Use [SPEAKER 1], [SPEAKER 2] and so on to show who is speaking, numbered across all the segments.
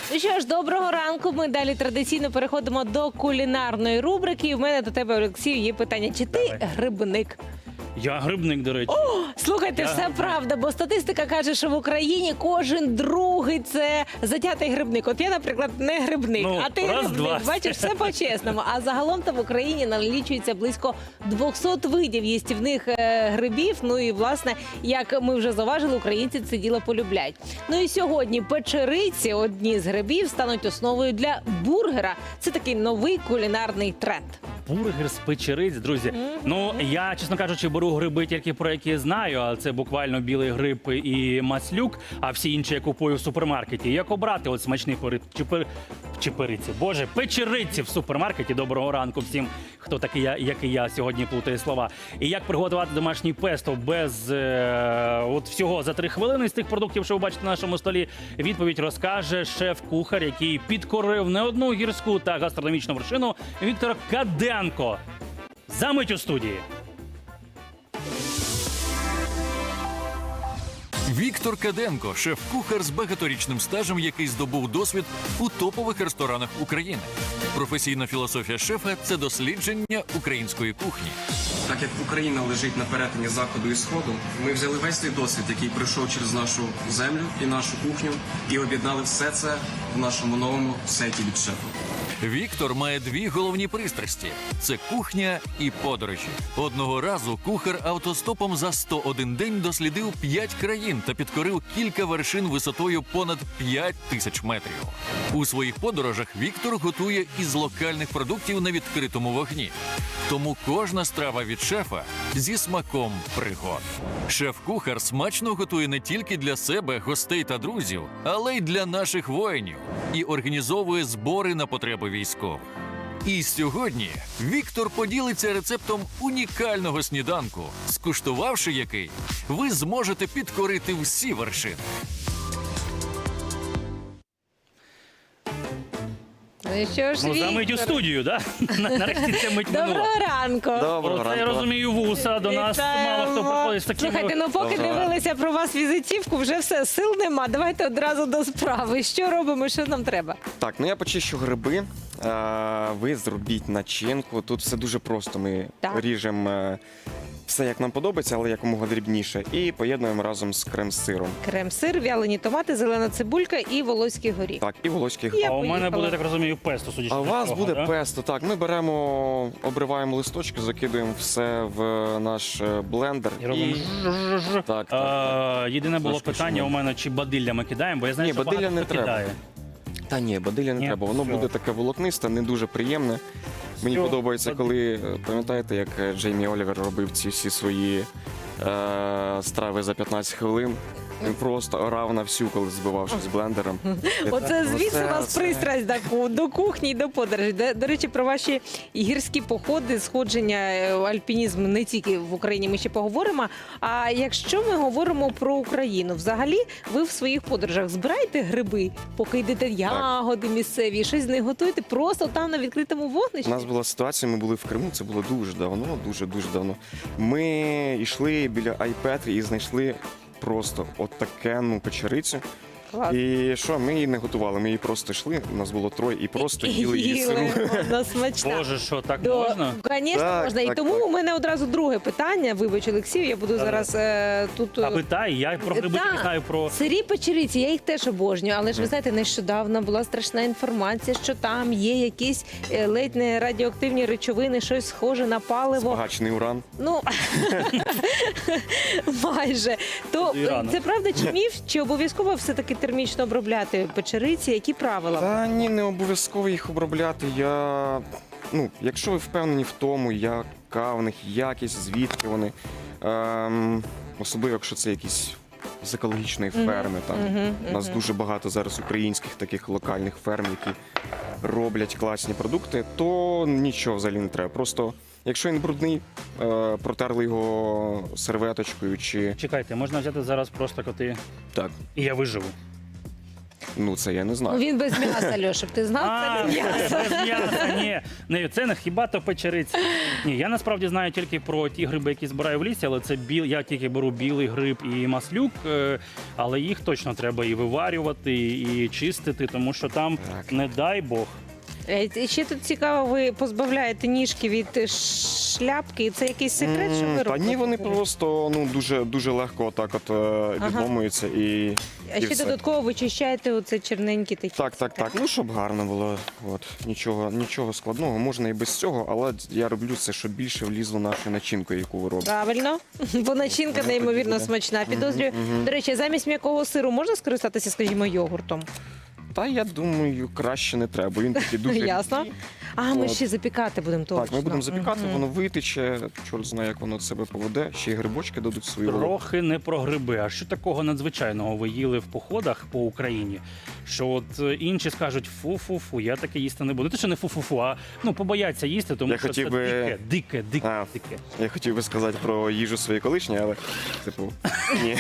[SPEAKER 1] Ну що ж, доброго ранку. Ми далі традиційно переходимо до кулінарної рубрики. І в мене до тебе, Олексію, є питання. Чи ти грибник?
[SPEAKER 2] Я грибник, до речі.
[SPEAKER 1] Слухайте, все правда, бо статистика каже, що в Україні кожен другий це затятий грибник. От я, наприклад, не грибник,
[SPEAKER 2] Ну,
[SPEAKER 1] а ти
[SPEAKER 2] раз,
[SPEAKER 1] грибник.
[SPEAKER 2] два.
[SPEAKER 1] Бачиш, все по-чесному. А загалом-то в Україні налічується близько 200 видів їстівних грибів. Ну і, власне, як ми вже зауважили, українці це діло полюбляють. Ну і сьогодні печериці, одні з грибів, стануть основою для бургера. Це такий новий кулінарний тренд.
[SPEAKER 2] Бургер з печериць, друзі. Ну, я, чесно кажучи, беру гриби тільки про які знаю, а це буквально білий гриб і маслюк, а всі інші я купую в супермаркеті. Як обрати от смачний чепириці? Боже, печериці в супермаркеті. Доброго ранку всім, хто такий, як і я, сьогодні плутає слова. І як приготувати домашній песто без от всього за 3 хвилини з тих продуктів, що ви бачите на нашому столі, відповідь розкаже шеф-кухар, який підкорив не одну гірську та гастрономічну вершину, Віктор Каденко. Замить у студії.
[SPEAKER 3] Віктор Каденко – шеф-кухар з багаторічним стажем, який здобув досвід у топових ресторанах України. Професійна філософія шефа – це дослідження української кухні.
[SPEAKER 4] Так як Україна лежить на перетині Заходу і Сходу, ми взяли весь той досвід, який пройшов через нашу землю і нашу кухню, і об'єднали все це в нашому новому сеті від шефа.
[SPEAKER 3] Віктор має 2 головні пристрасті – це кухня і подорожі. Одного разу кухар автостопом за 101 день дослідив 5 країн та підкорив кілька вершин висотою понад 5000 метрів. У своїх подорожах Віктор готує із локальних продуктів на відкритому вогні. Тому кожна страва від шефа зі смаком пригод. Шеф-кухар смачно готує не тільки для себе, гостей та друзів, але й для наших воїнів. І організовує збори на потреби військових. І сьогодні Віктор поділиться рецептом унікального сніданку, скуштувавши який, ви зможете підкорити всі вершини.
[SPEAKER 1] Ну і що ж,
[SPEAKER 2] Ну, замить у
[SPEAKER 1] Віктор?
[SPEAKER 2] студію, да? Нарешті це мить минула.
[SPEAKER 1] Доброго ранку.
[SPEAKER 5] Доброго
[SPEAKER 2] Оце, я
[SPEAKER 5] ранку.
[SPEAKER 2] розумію, вуса до нас
[SPEAKER 1] Вітаємо.
[SPEAKER 2] мало хто приходить з такими...
[SPEAKER 1] Слухайте, ну поки
[SPEAKER 5] Доброго.
[SPEAKER 1] дивилися про вас візитівку, вже все, сил нема. Давайте одразу до справи. Що робимо, що нам треба?
[SPEAKER 5] Так, ну я почищу гриби. Ви зробіть начинку. Тут все дуже просто. Ми
[SPEAKER 1] Так.
[SPEAKER 5] ріжемо все, як нам подобається, але якомога дрібніше. І поєднуємо разом з крем-сиром.
[SPEAKER 1] Крем-сир, вялені томати, зелена цибулька і волоський горіх.
[SPEAKER 5] Так, і волоський
[SPEAKER 1] Я
[SPEAKER 2] А у мене
[SPEAKER 1] поїхала.
[SPEAKER 2] буде, так розумію, песто, судячи
[SPEAKER 5] А у
[SPEAKER 2] з
[SPEAKER 5] вас
[SPEAKER 2] цього,
[SPEAKER 5] буде
[SPEAKER 2] да?
[SPEAKER 5] песто. Так, ми беремо, обриваємо листочки, закидуємо все в наш блендер.
[SPEAKER 2] І робимо жжж.
[SPEAKER 5] Так, так.
[SPEAKER 2] Єдине було
[SPEAKER 5] Трошки
[SPEAKER 2] питання
[SPEAKER 5] шумно.
[SPEAKER 2] у мене, чи бадилля ми кидаємо, бо я знаю,
[SPEAKER 5] Ні,
[SPEAKER 2] що
[SPEAKER 5] бадилля
[SPEAKER 2] багато
[SPEAKER 5] не
[SPEAKER 2] хто
[SPEAKER 5] треба.
[SPEAKER 2] кидає.
[SPEAKER 5] Та ні, бадилля не
[SPEAKER 2] Ні,
[SPEAKER 5] треба. Воно
[SPEAKER 2] все.
[SPEAKER 5] буде таке волокнисте, не дуже приємне. Мені
[SPEAKER 2] Все.
[SPEAKER 5] подобається, коли, пам'ятаєте, як Джеймі Олівер робив ці всі свої страви за 15 хвилин. Він просто орав на всю, коли збивав з блендером.
[SPEAKER 1] Оце звідси у вас
[SPEAKER 5] Оце.
[SPEAKER 1] пристрасть до кухні і до подорожі. До речі, про ваші гірські походи, сходження, альпінізм не тільки в Україні, ми ще поговоримо. А якщо ми говоримо про Україну, взагалі ви в своїх подорожах збираєте гриби, поки йдете ягоди місцеві, щось з них готуєте просто там на відкритому
[SPEAKER 5] У
[SPEAKER 1] вогнищі?
[SPEAKER 5] нас була ситуація, ми були в Криму, це було дуже давно, дуже давно. Ми йшли біля Айпетрі і знайшли просто от такенну печерицю.
[SPEAKER 1] Клас.
[SPEAKER 5] І що, ми її не готували, ми її просто йшли, у нас було 3, і просто їли її сиру.
[SPEAKER 1] Вона смачна.
[SPEAKER 2] Боже, що, так можна?
[SPEAKER 1] Звісно,
[SPEAKER 5] Так,
[SPEAKER 1] можна. І
[SPEAKER 5] так,
[SPEAKER 1] тому
[SPEAKER 5] так.
[SPEAKER 1] у мене одразу друге питання. Вибач, Олексію, я буду зараз тут...
[SPEAKER 2] А питай, я про гриби
[SPEAKER 1] Так.
[SPEAKER 2] не знаю про...
[SPEAKER 1] Сирі печериці, я їх теж обожнюю, але ж ви знаєте, нещодавно була страшна інформація, що там є якісь ледь не радіоактивні речовини, щось схоже на паливо.
[SPEAKER 5] Збагачений уран.
[SPEAKER 1] Ну майже. То
[SPEAKER 2] Це Ірана.
[SPEAKER 1] це правда чи міф? Чи обов'язково все-таки термічно обробляти печериці? Які правила?
[SPEAKER 5] Та ні, не обов'язково їх обробляти. Якщо ви впевнені в тому, яка в них якість, звідки вони, особливо, якщо це якісь з екологічної ферми. У нас дуже багато зараз українських таких локальних ферм, які роблять класні продукти, то нічого взагалі не треба. Просто, якщо він брудний, протерли його серветочкою чи
[SPEAKER 2] Чекайте, можна взяти зараз просто коти,
[SPEAKER 5] так.
[SPEAKER 2] і я виживу.
[SPEAKER 5] Ну, це я не
[SPEAKER 1] Ну,
[SPEAKER 5] знаю.
[SPEAKER 1] він без м'яса, Льоша, ти знав? Це не м'ясо.
[SPEAKER 2] без м'яса, ні. Не, це не хіба то печериці. Ні, я насправді знаю тільки про ті гриби, які збираю в лісі, але це я тільки беру білий гриб і маслюк, але їх точно треба і виварювати, і чистити, тому що там,
[SPEAKER 5] Так.
[SPEAKER 2] не дай Бог.
[SPEAKER 1] І ще тут цікаво, ви позбавляєте ніжки від шляпки, і це якийсь секрет, що ви
[SPEAKER 5] Та
[SPEAKER 1] робите?
[SPEAKER 5] ні, вони просто дуже легко отак от відломуються і
[SPEAKER 1] А ще
[SPEAKER 5] все.
[SPEAKER 1] додатково вичищаєте оце черненькі такі.
[SPEAKER 5] Так. Ну, щоб гарно було. От. Нічого складного. Можна і без цього, але я роблю це, щоб більше влізло нашою начинкою, яку ви робите.
[SPEAKER 1] Правильно, бо начинка
[SPEAKER 5] Воно
[SPEAKER 1] неймовірно
[SPEAKER 5] тоді буде.
[SPEAKER 1] смачна. Підозрюю.
[SPEAKER 5] Мгм.
[SPEAKER 1] До речі, замість м'якого сиру можна скористатися, скажімо, йогуртом?
[SPEAKER 5] Та я думаю, краще не треба. Він такий дуже
[SPEAKER 1] Ясно.
[SPEAKER 5] рідкий.
[SPEAKER 1] А, ми
[SPEAKER 5] От.
[SPEAKER 1] ще запікати будемо точно.
[SPEAKER 5] Так, ми будемо запікати,
[SPEAKER 1] Мгм.
[SPEAKER 5] воно витече, чорт знає, як воно себе поведе. Ще й грибочки дадуть свою роль.
[SPEAKER 2] Трохи не про гриби. А що такого надзвичайного ви їли в походах по Україні? Що от інші скажуть фу-фу-фу, я таке їсти не буду. Те, що не фу-фу-фу, а ну побояться їсти, тому
[SPEAKER 5] Я
[SPEAKER 2] що
[SPEAKER 5] хотів
[SPEAKER 2] це
[SPEAKER 5] би-
[SPEAKER 2] дике.
[SPEAKER 5] А. Я хотів би сказати про їжу своєї колишньої, але типу ні.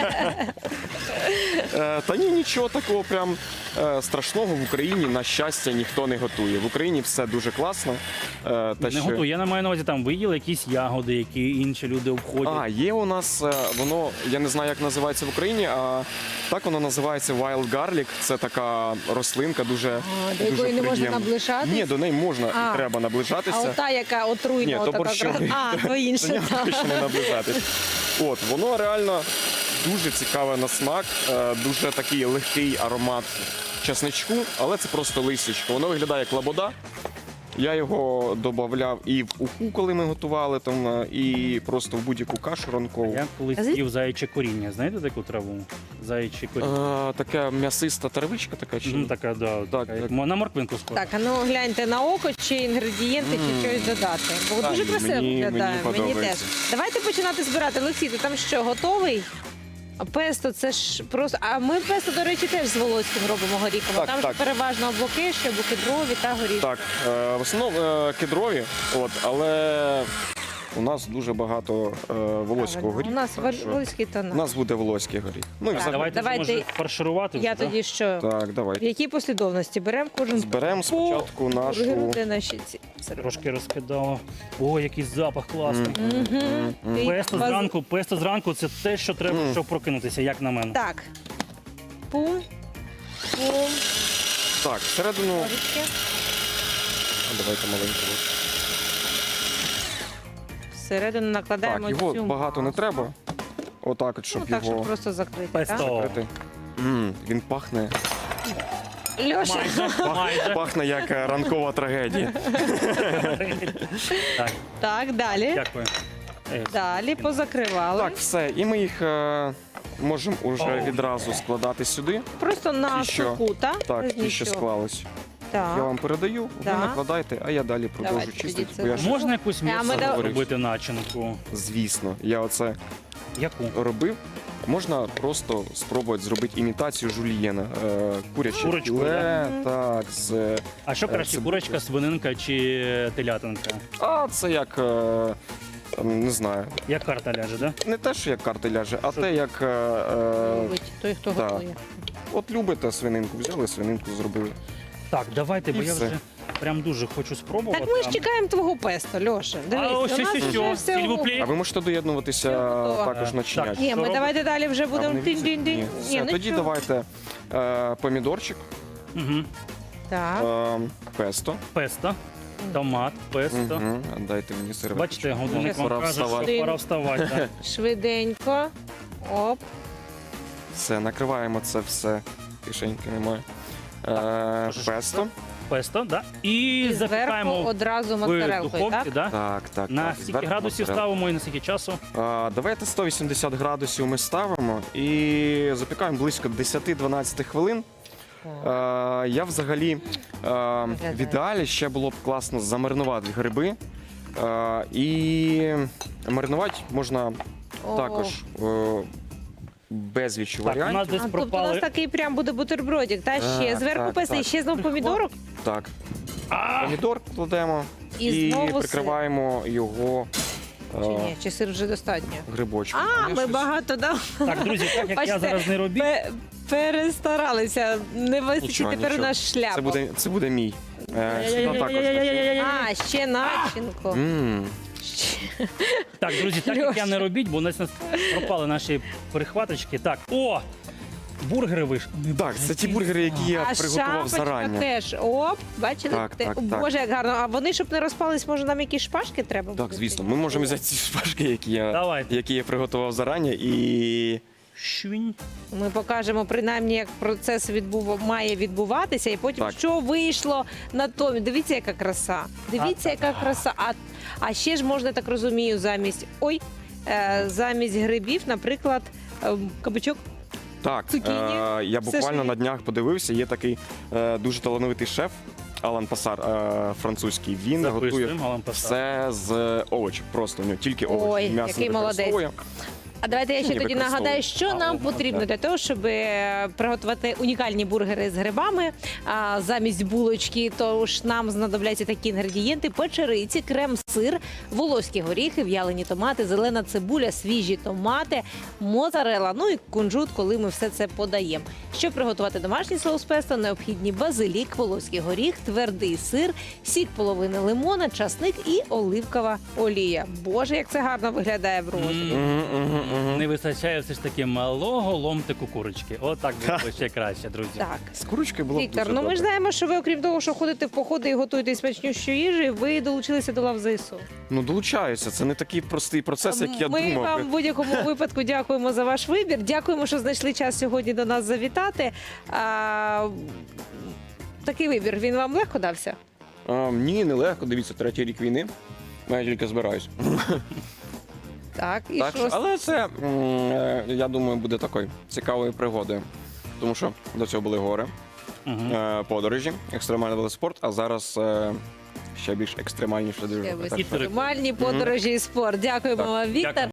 [SPEAKER 5] Та ні, нічого такого прям страшного в Україні, на щастя, ніхто не готує. В Україні все дуже класно.
[SPEAKER 2] Не готую. Я не маю на увазі, там ви їли якісь ягоди, які інші люди обходять.
[SPEAKER 5] А, є у нас воно, я не знаю, як називається в Україні, а так воно називається wild garlic. Це така рослинка, дуже
[SPEAKER 1] до якої не можна
[SPEAKER 5] приємна.
[SPEAKER 1] наближатись?
[SPEAKER 5] Ні, до неї можна
[SPEAKER 1] А.
[SPEAKER 5] і треба наближатися.
[SPEAKER 1] А ота, яка отруйна,
[SPEAKER 5] Ні, то
[SPEAKER 1] отака
[SPEAKER 5] борщовий.
[SPEAKER 1] А, то
[SPEAKER 5] До
[SPEAKER 1] інше.
[SPEAKER 5] нього
[SPEAKER 1] так.
[SPEAKER 5] точно не наближатись. От, воно реально дуже цікаве на смак, дуже такий легкий аромат чесничку, але це просто листячко. Воно виглядає як лабода. Я його додавав і в уху, коли ми готували, там, і просто в будь-яку кашу ранкову.
[SPEAKER 2] Я колись
[SPEAKER 1] А звід-
[SPEAKER 2] їв заяче коріння. Знаєте таку траву? Заяче коріння.
[SPEAKER 5] Така м'ясиста травичка така чи ні?
[SPEAKER 2] Така, да,
[SPEAKER 5] Так,
[SPEAKER 2] така, як
[SPEAKER 5] так.
[SPEAKER 2] на морквинку схожа.
[SPEAKER 1] Так, а ну гляньте на око, чи інгредієнти, чи щось додати. Бо
[SPEAKER 5] Та
[SPEAKER 1] дуже
[SPEAKER 5] ні,
[SPEAKER 1] красиво
[SPEAKER 5] мені
[SPEAKER 1] виглядає. Мені теж.
[SPEAKER 5] подобається.
[SPEAKER 1] Давайте починати збирати. Олексій, ти там що, готовий? А песто, це ж просто. А ми песто, до речі, теж з волоським робимо горіхом.
[SPEAKER 5] Так,
[SPEAKER 1] Там
[SPEAKER 5] так.
[SPEAKER 1] ж переважно абоки, ще кедрові та горіхи.
[SPEAKER 5] Так, в основному кедрові, але у нас дуже багато волоського
[SPEAKER 1] Правильно.
[SPEAKER 5] горіха.
[SPEAKER 1] У нас
[SPEAKER 5] так що
[SPEAKER 1] волоський та
[SPEAKER 5] у
[SPEAKER 1] наш.
[SPEAKER 5] нас буде волоський горіх. Ну і
[SPEAKER 1] Так.
[SPEAKER 5] взагалі.
[SPEAKER 2] Давайте,
[SPEAKER 1] Давайте-
[SPEAKER 2] може фарширувати.
[SPEAKER 1] Я
[SPEAKER 2] вже, да?
[SPEAKER 1] тоді що?
[SPEAKER 5] Так,
[SPEAKER 1] В
[SPEAKER 5] давай.
[SPEAKER 1] якій послідовності? Беремо кожен
[SPEAKER 5] Зберемо спочатку нашу.
[SPEAKER 1] бургеру, де наші ці сироп.
[SPEAKER 2] Трошки розкидала. О, який запах класний.
[SPEAKER 1] Мгм. Ти
[SPEAKER 2] Песто зранку це те, що треба, щоб прокинутися, як на мене.
[SPEAKER 1] Так. Пум. Пум.
[SPEAKER 5] Так, всередину.
[SPEAKER 1] Ложечки.
[SPEAKER 5] Давайте маленьку.
[SPEAKER 1] Всередину накладаємо
[SPEAKER 5] Так, його
[SPEAKER 1] цю
[SPEAKER 5] багато не
[SPEAKER 1] масу.
[SPEAKER 5] треба. Отак, от, щоб
[SPEAKER 1] Ну так, щоб
[SPEAKER 5] його
[SPEAKER 1] просто закрити.
[SPEAKER 2] Песто.
[SPEAKER 1] Так?
[SPEAKER 5] закрити. Він пахне.
[SPEAKER 1] Льоша,
[SPEAKER 2] Майже.
[SPEAKER 5] Пахне як ранкова трагедія.
[SPEAKER 2] Так,
[SPEAKER 1] так, далі.
[SPEAKER 2] дякую.
[SPEAKER 1] Далі позакривали.
[SPEAKER 5] Так, все. І ми їх можемо уже
[SPEAKER 2] Оу.
[SPEAKER 5] відразу складати сюди.
[SPEAKER 1] Просто на
[SPEAKER 5] Ті, що-
[SPEAKER 1] суху, так?
[SPEAKER 5] Так,
[SPEAKER 1] Без
[SPEAKER 5] ті, що
[SPEAKER 1] нічого.
[SPEAKER 5] склались.
[SPEAKER 1] Так.
[SPEAKER 5] Я вам передаю, ви
[SPEAKER 1] Так.
[SPEAKER 5] накладайте, а я далі продовжу
[SPEAKER 1] Давайте тоді
[SPEAKER 5] чистити.
[SPEAKER 1] це
[SPEAKER 5] Бо я ж,
[SPEAKER 2] Можна якусь
[SPEAKER 1] ми
[SPEAKER 2] м'ясо
[SPEAKER 1] да-
[SPEAKER 2] робити начинку?
[SPEAKER 5] звісно, я оце
[SPEAKER 2] Яку?
[SPEAKER 5] робив. Можна просто спробувати зробити імітацію жульєна. Куряче
[SPEAKER 2] Курочку,
[SPEAKER 5] філе, так, з...
[SPEAKER 2] А що краще,
[SPEAKER 5] це
[SPEAKER 2] курочка, свининка чи телятинка?
[SPEAKER 5] А це як, не знаю,
[SPEAKER 2] Як карта ляже, да?
[SPEAKER 5] не те, що як карти ляже, а
[SPEAKER 2] Що?
[SPEAKER 5] те, як...
[SPEAKER 1] Любить той, хто
[SPEAKER 5] так.
[SPEAKER 1] готує.
[SPEAKER 5] От любите свининку, взяли свининку, зробили.
[SPEAKER 2] Так, давайте, бо
[SPEAKER 5] І
[SPEAKER 2] я
[SPEAKER 5] все.
[SPEAKER 2] вже прям дуже хочу спробувати.
[SPEAKER 1] Так ми ж чекаємо твого песто, Льоша. Дивись,
[SPEAKER 2] ось
[SPEAKER 1] у нас
[SPEAKER 2] що,
[SPEAKER 1] вже все
[SPEAKER 2] сільвуплі.
[SPEAKER 5] А ви можете доєднуватися
[SPEAKER 1] Все готово.
[SPEAKER 5] також начинять.
[SPEAKER 2] Так.
[SPEAKER 1] Ні,
[SPEAKER 2] Що
[SPEAKER 1] ми
[SPEAKER 2] робити?
[SPEAKER 1] давайте далі вже
[SPEAKER 5] А
[SPEAKER 1] будемо
[SPEAKER 5] вони візьмуть?
[SPEAKER 1] тин-дин-дин.
[SPEAKER 5] Ні.
[SPEAKER 1] Ні,
[SPEAKER 5] Все,
[SPEAKER 1] ну
[SPEAKER 5] тоді
[SPEAKER 1] що?
[SPEAKER 5] давайте помідорчик,
[SPEAKER 2] Угу.
[SPEAKER 1] Так.
[SPEAKER 5] песто.
[SPEAKER 2] Песто, томат, песто.
[SPEAKER 5] Мгм. Дайте мені серветку.
[SPEAKER 2] Бачите, годинник
[SPEAKER 1] Пора
[SPEAKER 2] вам каже,
[SPEAKER 5] вставати.
[SPEAKER 2] що пора вставати. Да.
[SPEAKER 1] Швиденько. Оп.
[SPEAKER 5] Все, накриваємо це все. Кишеньки немає.
[SPEAKER 2] Можеш
[SPEAKER 5] Песто.
[SPEAKER 2] Песто, да. І
[SPEAKER 1] І зверху
[SPEAKER 2] запікаємо
[SPEAKER 1] одразу
[SPEAKER 2] в
[SPEAKER 1] моцарелкою,
[SPEAKER 2] духовці,
[SPEAKER 1] так?
[SPEAKER 2] да?
[SPEAKER 5] Так.
[SPEAKER 2] На
[SPEAKER 5] так.
[SPEAKER 2] скільки
[SPEAKER 5] Зверху
[SPEAKER 2] градусів
[SPEAKER 5] моцарелла.
[SPEAKER 2] ставимо і на скільки часу?
[SPEAKER 5] Давайте 180 градусів ми ставимо і запікаємо близько 10-12 хвилин. Я взагалі в ідеалі ще було б класно замаринувати гриби. І маринувати можна
[SPEAKER 1] О.
[SPEAKER 5] також безліч
[SPEAKER 2] Так, у нас
[SPEAKER 5] варіантів.
[SPEAKER 2] десь
[SPEAKER 1] А, тобто у нас
[SPEAKER 2] пропали.
[SPEAKER 1] такий прям буде бутербродик, та ще
[SPEAKER 5] Так,
[SPEAKER 1] зверху
[SPEAKER 5] так,
[SPEAKER 1] песто, і
[SPEAKER 5] так.
[SPEAKER 1] ще знов помідорок.
[SPEAKER 5] Так,
[SPEAKER 2] А!
[SPEAKER 5] помідор кладемо
[SPEAKER 1] І
[SPEAKER 5] і
[SPEAKER 1] знову сир.
[SPEAKER 5] прикриваємо його
[SPEAKER 1] Чи ні? Чи сир вже достатньо?
[SPEAKER 5] Грибочки.
[SPEAKER 1] А, ми багато дав.
[SPEAKER 2] Так, друзі, так як я
[SPEAKER 1] Бачите,
[SPEAKER 2] зараз не робіть.
[SPEAKER 1] Перестаралися. Не вистачить
[SPEAKER 5] Нічого,
[SPEAKER 1] тепер
[SPEAKER 5] нічого.
[SPEAKER 1] наш шляп.
[SPEAKER 5] Це буде мій. Сюди також.
[SPEAKER 1] А, ще начинку. Ще.
[SPEAKER 2] Так, друзі, так як я не робіть, бо у нас пропали наші перехваточки. Так, о! Бургери вийшли.
[SPEAKER 5] Так, це ті бургери, які я
[SPEAKER 1] А
[SPEAKER 5] приготував
[SPEAKER 1] шапочка
[SPEAKER 5] зарані.
[SPEAKER 1] теж. Оп, бачили?
[SPEAKER 5] Так, так, так.
[SPEAKER 1] Боже, як гарно. А вони, щоб не розпались, може нам якісь шпажки треба?
[SPEAKER 5] Так,
[SPEAKER 1] буде?
[SPEAKER 5] звісно. Ми можемо взяти ці шпажки,
[SPEAKER 2] Давайте.
[SPEAKER 5] які я приготував зарані, і
[SPEAKER 2] Швінь.
[SPEAKER 1] Ми покажемо принаймні, як процес має відбуватися, і потім
[SPEAKER 5] Так.
[SPEAKER 1] що вийшло на тому. Дивіться, яка краса. Дивіться, яка краса. А ще ж можна, так розумію, замість грибів, наприклад, кабачок.
[SPEAKER 5] так,
[SPEAKER 1] Цукіні.
[SPEAKER 5] я
[SPEAKER 1] Все
[SPEAKER 5] буквально
[SPEAKER 1] ж-
[SPEAKER 5] на днях подивився, є такий дуже талановитий шеф, Алан Пасар, французький. Він готує
[SPEAKER 2] Записуємо, Алан Пасар.
[SPEAKER 5] все з овочів, просто у нього тільки овочі.
[SPEAKER 1] Ой,
[SPEAKER 5] М'ясо
[SPEAKER 1] який
[SPEAKER 5] не
[SPEAKER 1] молодець.
[SPEAKER 5] використовує.
[SPEAKER 1] А давайте я ще
[SPEAKER 5] Ні,
[SPEAKER 1] тоді
[SPEAKER 5] використовую.
[SPEAKER 1] нагадаю, що нам потрібно для того, щоб приготувати унікальні бургери з грибами. Замість булочки, тож нам знадобляться такі інгредієнти: печериці, крем-сир, волоські горіхи, в'ялені томати, зелена цибуля, свіжі томати, моцарелла, ну і кунжут, коли ми все це подаємо. Щоб приготувати домашній соус песто, необхідні базилік, волоський горіх, твердий сир, сік половини лимона, часник і оливкова олія. Боже, як це гарно виглядає в розі.
[SPEAKER 2] Не вистачає все ж таки малого ломтику курочки. Отак було ще краще, друзі.
[SPEAKER 1] Так.
[SPEAKER 5] З курочкою було б
[SPEAKER 1] Віктор,
[SPEAKER 5] дуже
[SPEAKER 1] ну ми
[SPEAKER 5] добре.
[SPEAKER 1] ж знаємо, що ви, окрім того, що ходите в походи і готуєте смачнющу їжу, ви долучилися до лав ЗСУ.
[SPEAKER 5] Ну, долучаються. Це не такий простий процес, як я
[SPEAKER 1] Ми
[SPEAKER 5] думав.
[SPEAKER 1] вам в будь-якому випадку дякуємо за ваш вибір. Дякуємо, що знайшли час сьогодні до нас завітати. Такий вибір, він вам легко дався?
[SPEAKER 5] Ні, нелегко. Дивіться, 3-й рік війни. Я тільки збираюсь.
[SPEAKER 1] Так, і
[SPEAKER 5] Так,
[SPEAKER 1] що?
[SPEAKER 5] але це, я думаю, буде такою цікавою пригодою. Тому що до цього були гори, подорожі, екстремальний велоспорт, а зараз ще більш екстремальніше дуже.
[SPEAKER 1] Ще
[SPEAKER 5] Так,
[SPEAKER 1] екстремальні подорожі і спорт. Дякуємо
[SPEAKER 5] Так.
[SPEAKER 1] вам, Віктор.
[SPEAKER 2] Дякую.